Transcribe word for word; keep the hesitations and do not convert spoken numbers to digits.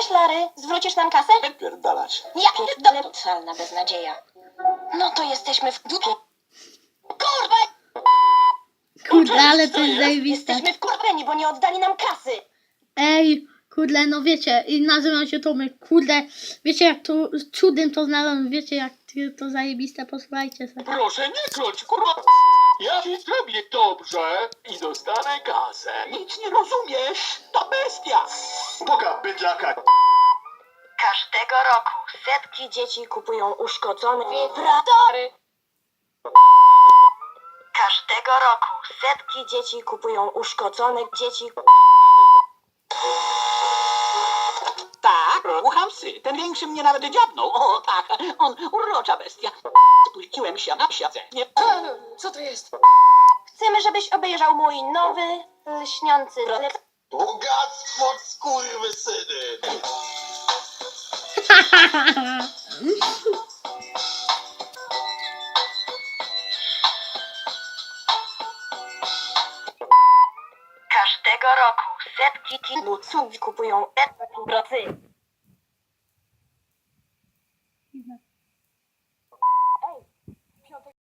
Cześć, Lary. Zwrócisz nam kasę? Pierdalać. Ja pierdolę. Totalna beznadzieja. No to jesteśmy w dupie. Kurwa! Kurde, ale to jest zajebiste. Jesteśmy wkurwieni, bo nie oddali nam kasy. Ej, kurde, no wiecie, i nazywam się Tomek, kurde, wiecie jak to cudem to znalazłem, wiecie jak to zajebiste, posłuchajcie sobie. Proszę nie kląć, kurwa. Ja ci zrobię dobrze i dostanę kasę. Nic nie rozumiesz, to bestia. Boga bydlaka. Każdego roku setki dzieci kupują uszkodzone wibratory. Każdego roku setki dzieci kupują uszkodzone dzieci. Tak, rucham psy. Ten większy mnie nawet dziabnął. O tak, on urocza bestia. Spuściłem się na siedzenie. Co to jest? Chcemy, żebyś obejrzał mój nowy, lśniący rolek. Bogactwo skurwysyny. Każdego roku setki kibuców kupują wibratory.